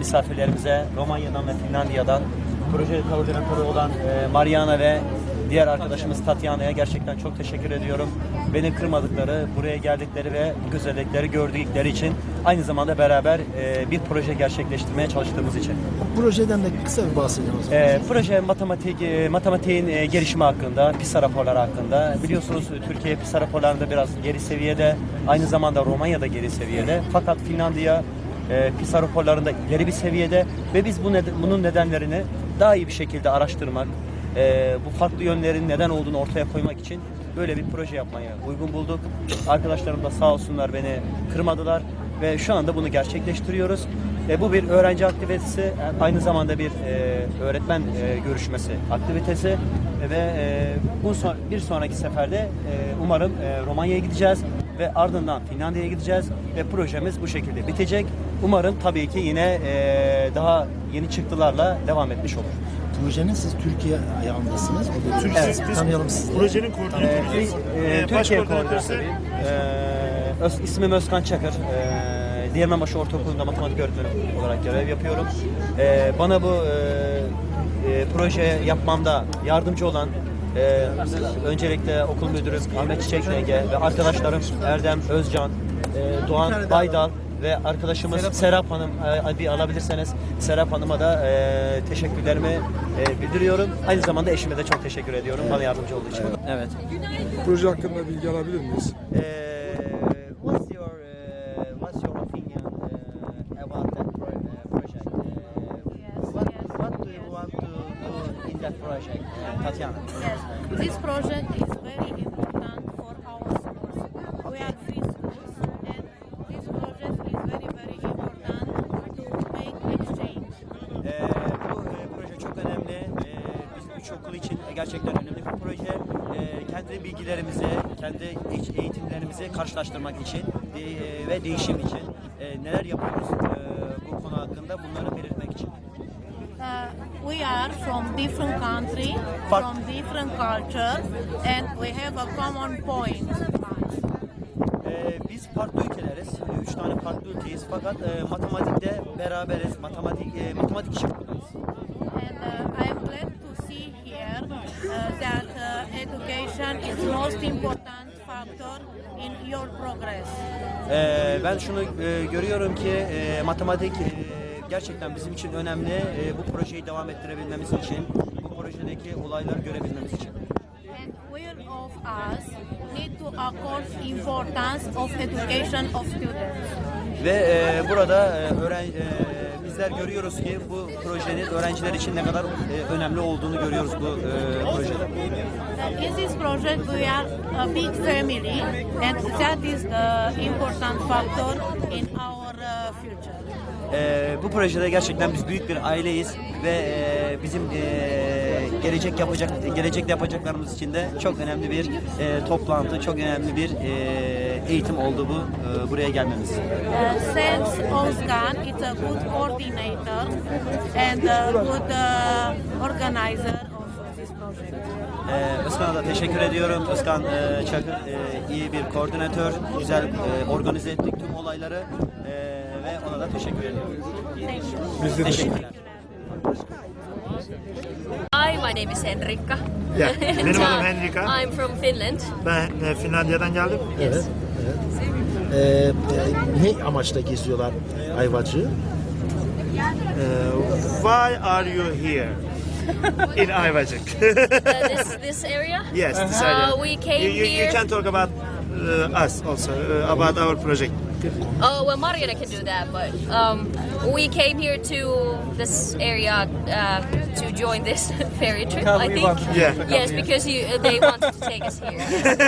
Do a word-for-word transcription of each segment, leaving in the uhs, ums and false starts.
misafirlerimize Romanya'dan ve Finlandiya'dan proje koordinatörü olan e, Mariana ve diğer arkadaşımız Tatyana'ya gerçekten çok teşekkür ediyorum. Beni kırmadıkları, buraya geldikleri ve bu güzellikleri gördükleri için, aynı zamanda beraber e, bir proje gerçekleştirmeye çalıştığımız için. Bu projeden de kısa bir bahsedelim o zaman. E, proje matematik, e, matematiğin e, gelişimi hakkında, PISA raporları hakkında. Biliyorsunuz Türkiye PISA raporlarında biraz geri seviyede, aynı zamanda Romanya'da geri seviyede. Fakat Finlandiya e, PISA raporlarında ileri bir seviyede ve biz bu neden, bunun nedenlerini daha iyi bir şekilde araştırmak, e, bu farklı yönlerin neden olduğunu ortaya koymak için böyle bir proje yapmaya uygun bulduk. Arkadaşlarım da sağ olsunlar beni kırmadılar ve şu anda bunu gerçekleştiriyoruz. E, bu bir öğrenci aktivitesi, aynı zamanda bir e, öğretmen e, görüşmesi aktivitesi e, ve e, bu son, bir sonraki seferde e, umarım e, Romanya'ya gideceğiz ve ardından Finlandiya'ya gideceğiz ve projemiz bu şekilde bitecek. Umarım tabii ki yine e, daha yeni çıktılarla devam etmiş olur. Projenin siz Türkiye ayağındasınız. Burada Türkiye, evet. biz Tanıyalım sizi. projenin E, koordinatörüyüz. e, Ee, baş Türkiye koordinatörü koordinatörü. E, Öz, ismim Özkan Çakır. E, Diğermenbaşı Ortaokulu'nda matematik öğretmeni olarak görev yapıyorum. E, bana bu e, e, proje yapmamda yardımcı olan e, öncelikle okul müdürüm Ahmet Çiçek Ege ve arkadaşlarım Erdem Özcan, e, Doğan Baydal ve arkadaşımız Serap, Serap Hanım, e, bir alabilirseniz Serap Hanım'a da e, teşekkürlerimi e, bildiriyorum. Aynı zamanda eşime de çok teşekkür ediyorum bana yardımcı olduğu için. Evet. Proje hakkında bilgi alabilir miyiz? Uh, what's your uh, what's your opinion uh, about that pro uh, project? Uh, Yes, what yes, what do you yes. want to do in that project, uh, Tatiana? Yes, this project is very important for our schools. We are free schools, and this project is very, very important to make exchange. Ee, bu e, proje çok önemli. Ee, bizim üç okul için gerçekten önemli bir proje. Ee, kendi bilgilerimizi, kendi eğ- eğitimlerimizi karşılaştırmak için e, ve değişim için e, neler yapıyoruz e, bu konu hakkında bunları belirtmek için. Uh, we are from different country, But- from different culture, and we have a common point. Ee, biz farklı ülkeleriz. Ee, Üç tane farklı ülkeyiz. Fakat e, matematikte beraberiz. Matematik e, matematik için buradayız. And uh, I am glad to see here uh, that uh, education is most important factor in your progress. Ee, ben şunu e, görüyorum ki e, matematik e, gerçekten bizim için önemli. E, bu projeyi devam ettirebilmemiz için, bu projedeki olayları görebilmemiz için. And all of us need to accord importance of education of students. Ve e, burada e, öğren, e, bizler görüyoruz ki bu projenin öğrenciler için ne kadar e, önemli olduğunu görüyoruz bu e, projede. Uh, in this project we are a big family, and that is the important factor in our uh, future. E, bu projede gerçekten biz büyük bir aileyiz ve e, bizim e, gelecek yapacak gelecekte yapacaklarımız için de çok önemli bir e, toplantı, çok önemli bir e, eğitim oldu bu e, buraya gelmemiz. Uh, thanks Ozkan, it's a good coordinator and a good uh, organizer of this project. Ee, Özkan'a da teşekkür ediyorum. Özkan e, Çakır e, iyi bir koordinatör, güzel e, organize ettik tüm olayları e, ve ona da teşekkür ediyorum. Thank you. Biz de teşekkür Teşekkürler. Hi, my name is Henrikka. Yeah, benim Uh, adım Henrika. I'm from Finland. Ben e, Finlandiya'dan geldim. Evet. evet. Ee, e, ne amaçla geziyorlar Ayvacık'ı? E, why are you here? In Ayvacık. Uh, this this area. Yes, this Uh, area. we came you, you, here. you can talk about uh, us also, uh, about our project. Oh well, Mariana can do that, but um, we came here to this area uh, to join this ferry trip. I think. Yeah. Yes, because you, uh, they wanted to take us here.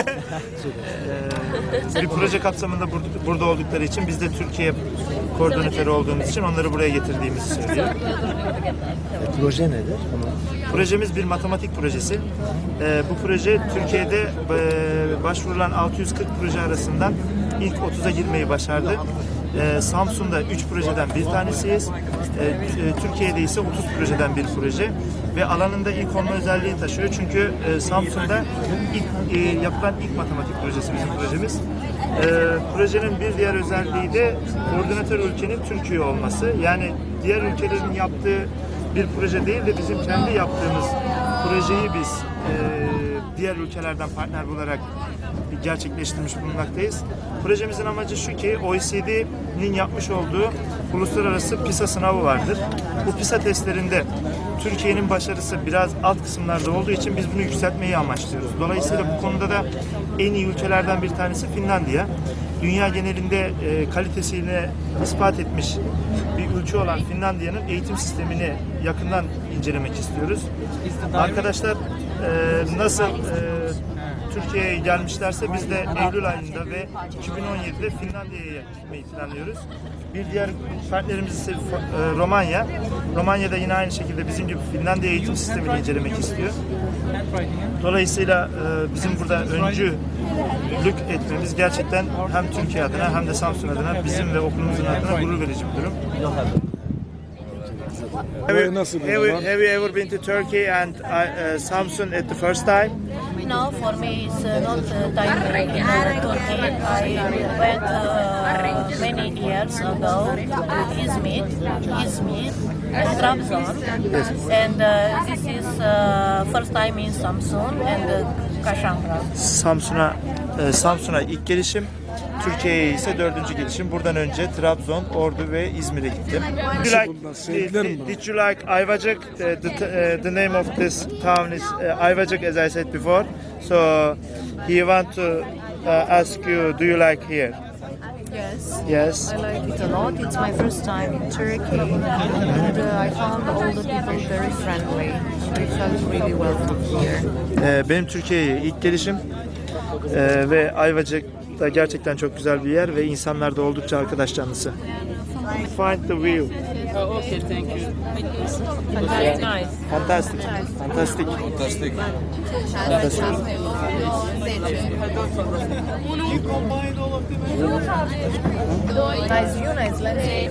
Ee, bir proje kapsamında burada, burada oldukları için biz de Türkiye koordinatörü olduğumuz için onları buraya getirdiğimizi söylüyor. E, proje nedir? Onu Projemiz bir matematik projesi. Ee, bu proje Türkiye'de e, başvurulan altı yüz kırk proje arasından ilk otuza girmeyi başardı. E, Samsun'da üç projeden bir tanesiyiz. E, e, Türkiye'de ise otuz projeden bir proje ve alanında ilk olma özelliği taşıyor. Çünkü e, Samsun'da ilk, e, yapılan ilk matematik projesi bizim projemiz. E, projenin bir diğer özelliği de koordinatör ülkenin Türkiye olması. Yani diğer ülkelerin yaptığı bir proje değil de bizim kendi yaptığımız projeyi biz e, diğer ülkelerden partner bularak gerçekleştirmiş bulunmaktayız. Projemizin amacı şu ki O E C D'nin yapmış olduğu uluslararası PISA sınavı vardır. Bu PISA testlerinde Türkiye'nin başarısı biraz alt kısımlarda olduğu için biz bunu yükseltmeyi amaçlıyoruz. Dolayısıyla bu konuda da en iyi ülkelerden bir tanesi Finlandiya. Dünya genelinde e, kalitesiyle ispat etmiş bir ülke olan Finlandiya'nın eğitim sistemini yakından incelemek istiyoruz. Arkadaşlar e, nasıl e, Türkiye'ye gelmişlerse biz de Eylül ayında ve iki bin on yedide Finlandiya'ya gitmeyi planlıyoruz. Bir diğer partnerimiz ise e, Romanya. Romanya'da yine aynı şekilde bizim gibi Finlandiya eğitim sistemini incelemek istiyor. Dolayısıyla e, bizim burada öncülük etmemiz gerçekten hem Türkiye adına hem de Samsun adına bizim ve okulumuzun adına gurur verici bir durum. Have you, Nasıl have you, have you ever been to Turkey and uh, Samsun at the first time? No, for me it's uh, not uh, time in uh, Turkey. I went uh, many years ago to Izmir, Izmir, and Trabzon, and uh, this is uh, first time in Samsun and uh, Kashangra. Samsun'a e, Samsun'a ilk gelişim, Türkiye'ye ise dördüncü gelişim. Buradan önce Trabzon, Ordu ve İzmir'e gittim. Did you bunlar? like, Sevdiler mi did, bunu? did you like Ayvacık? The, the, uh, the name of this town is uh, Ayvacık, as I said before. So he want to uh, ask you, do you like here? Yes, Yes. I like it a lot. It's my first time in Turkey, and uh, I found all the people very friendly. I felt really welcome here. Ee, benim Türkiye'ye ilk gelişim Ee, ve Ayvacık da gerçekten çok güzel bir yer ve insanlar da oldukça arkadaş canlısı. Find the view. Very nice. Fantastic. Fantastic. Fantastic. Fantastic. Nice view, nice landscape.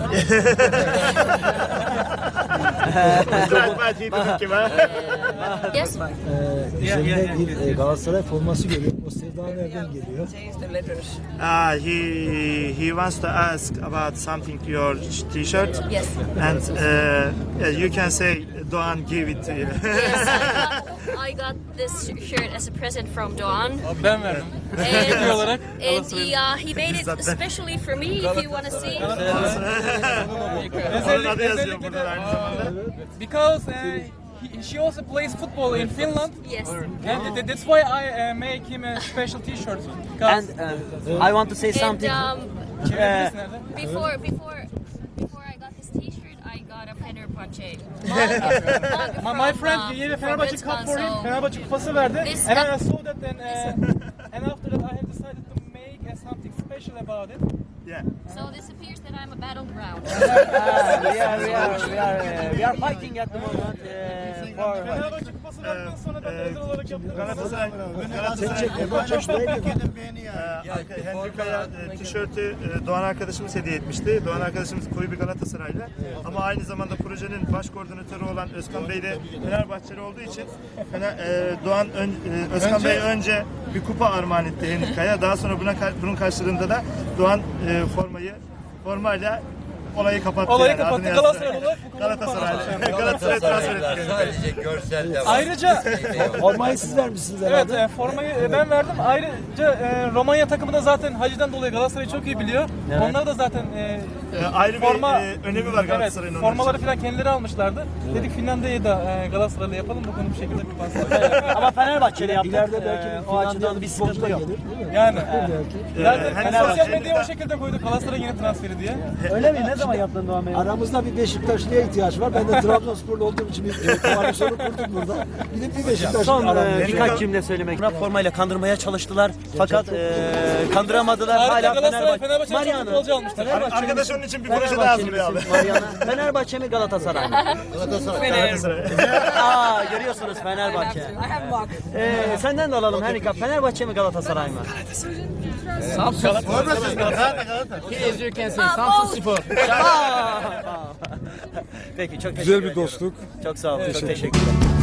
Yes. Üzerinde bir e, Galatasaray forması görüyorum. O sevda nereden geliyor? Ah, he he wants to ask about something your T-shirt. Yes. And uh, you can say Doğan give it to you. Yes, I got, I got this shirt as a present from Doğan. Ben verdim. And, olarak and he, uh, he made it especially for me, if you want to see. Onun adı yazıyor burada aynı zamanda. Because uh, he, she also plays football in Finland. Yes. And th- that's why I uh, make him a special T-shirt. And Because uh, I want to say And something. um, Uh, before before before I got this T-shirt, I got a Fenerbahçe mug, mug my, my from, friend uh, gave a from Fenerbahçe Özkan, cup for him. so- Fenerbahçe kupası verdi. This- And I saw that and, uh, and after that I have decided to make uh, something special about it. Yeah. So this appears that I'm a battleground. uh, we are we are we are uh, we are fighting at the moment uh, for. Fenerbahçe kupası verdikten sonra da Ee, özel olarak yaptık. Galatasaray Galatasaray Ee, Henrika'ya e, tişörtü e, Doğan arkadaşımız hediye etmişti. Doğan arkadaşımız koyu bir Galatasaraylı. Ama aynı zamanda projenin baş koordinatörü olan Özkan Bey de Fenerbahçeli olduğu için Fener, e, Doğan ön, e, Özkan Bey önce bir kupa armağan etti Henrika'ya. Daha sonra buna bunun karşılığında da Doğan e, formayı formayla olayı kapattı. Olayı yani, kapattı. adını yazdı. Galatasaray olarak bu kupa- Galatasaray. Galatasaray transfer etti. Sadece görsel de var. Ayrıca Formayı siz vermişsiniz evet herhalde. e, formayı e, ben verdim. Ayrıca e, Romanya takımı da zaten Hacı'dan dolayı Galatasaray'ı çok iyi biliyor. Onlar da zaten e, E, ayrı forma bir e, önemi var Galatasaray'ın. Evet, onun formaları için. falan kendileri almışlardı. Dedik Finlandiya'yı da e, Galatasaray'la yapalım bu konu bir şekilde bir pas. Ama Fenerbahçe'yle yaptık. İleride belki Ee, bir o açıdan bir sıkıntı futbolcu da yok. gelir, değil mi? Yani Ee, zaten hani sosyal Fenerbahçe- medyaya o şekilde koyduk Galatasaray yeni transferi diye. Öyle mi? Ne zaman yaptın Doğan Bey? Aramızda bir Beşiktaşlı'ya ihtiyaç var. Ben de Trabzonsporlu olduğum için bir e, koalisyonu kurduk burada. Bir de bir Beşiktaşlı Son e, aramızda. birkaç cümle söylemek. Formayla kandırmaya çalıştılar. Fakat e, kandıramadılar. Ayrıca Hala Galatasaray Fenerbahçe. Fenerbahçe'nin çok Mariano. futbolcu almışlar. Fenerbahçe Arkadaş onun için bir proje daha Fenerbahçeli hazırlıyor abi. misin Mariana? Fenerbahçe mi Galatasaray mı? Galatasaray. Aa görüyorsunuz Fenerbahçe. Ee, senden de alalım Henrika. Fenerbahçe mi Galatasaray mı? Samsun. He as you can see, Samsun Spor. Peki çok teşekkür Güzel bir ediyorum. dostluk. Çok sağ olun. Çok teşekkürler.